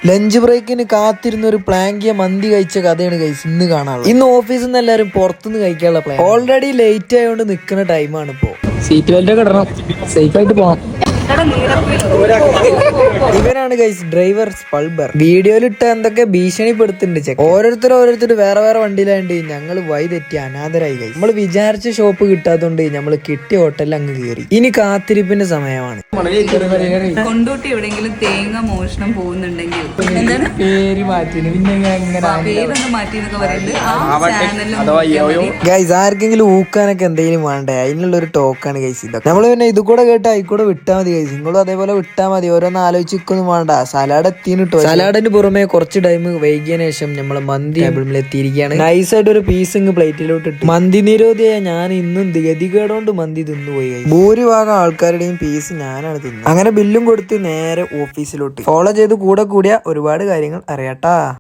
Lunch ബ്രേക്കിന് കാത്തിരുന്ന ഒരു പ്ലാങ്കിയ മന്തി കഴിച്ച കഥയാണ് ഗൈസ് ഇന്ന് കാണാനുള്ളത്. ഇന്ന് ഓഫീസിൽ നിന്ന് എല്ലാവരും പുറത്തുനിന്ന് കഴിക്കാനുള്ള പ്ലാൻ. ഓൾറെഡി ലേറ്റ് ആയതുകൊണ്ട് നിൽക്കുന്ന ടൈമാണ് ഇപ്പോ. സീറ്റ് ബെൽറ്റ് ഒക്കെ ഇടണം, സേഫ് ആയിട്ട് പോകാം. ഇവനാണ് ഗൈസ് ഡ്രൈവർ സ്പൾബർ. വീഡിയോയിലിട്ട എന്തൊക്കെ ഭീഷണിപ്പെടുത്തുന്നുണ്ട് ചെക്ക്. ഓരോരുത്തർ വേറെ വേറെ വണ്ടിയിലാണ്ട് ഞങ്ങൾ വഴി തെറ്റി അനാഥരായി ഗൈസ്. നമ്മൾ വിചാരിച്ച ഷോപ്പ് കിട്ടാത്തതുകൊണ്ട് നമ്മൾ കിട്ടിയ ഹോട്ടലിൽ അങ്ങ് കയറി. ഇനി കാത്തിരിപ്പിന്റെ സമയമാണ്. കൊണ്ടോട്ടി എവിടെയെങ്കിലും തേങ്ങ മോഷണം പോകുന്നുണ്ടെങ്കിൽ എന്താണ് പേര് മാറ്റി പേരൊന്ന് മാറ്റി എന്നൊക്കെ പറയുന്നത്. ഗൈസ് ആർക്കെങ്കിലും ഊക്കാനൊക്കെ എന്തെങ്കിലും വേണ്ടേ, അതിനുള്ള ഒരു ടോക്കാണ് ഗൈസ് ഇതൊക്കെ. നമ്മൾ പിന്നെ ഇത് കൂടെ കേട്ട് ആയിക്കൂടെ വിട്ടാൽ മതി ഗൈസ്. നിങ്ങളും അതേപോലെ വിട്ടാൽ മതി. ഓരോന്ന് ആലോചിക്കൊന്നും വേണ്ട. സലാഡ് എത്തിട്ടോ. സലാഡിന് പുറമെ കുറച്ച് ടൈം വൈകിയതിനു ശേഷം നമ്മൾ മന്തി ടേബിളിൽ എത്തിയിരിക്കുകയാണ്. നൈസായിട്ട് ഒരു പീസ് ഇങ്ങ് പ്ലേറ്റിലോട്ട് ഇട്ട്. മന്തി നിരോധിയായ ഞാൻ ഇന്നും ഗതികേടോണ്ട് മന്തി തിന്നുപോയി. ഭൂരിഭാഗം ആൾക്കാരുടെയും പീസ് ഞാനാണ് തിന്നത്. അങ്ങനെ ബില്ലും കൊടുത്ത് നേരെ ഓഫീസിലോട്ട്. ഫോളോ ചെയ്ത് കൂടെ കൂടിയ ഒരുപാട് കാര്യങ്ങൾ അറിയാട്ടാ.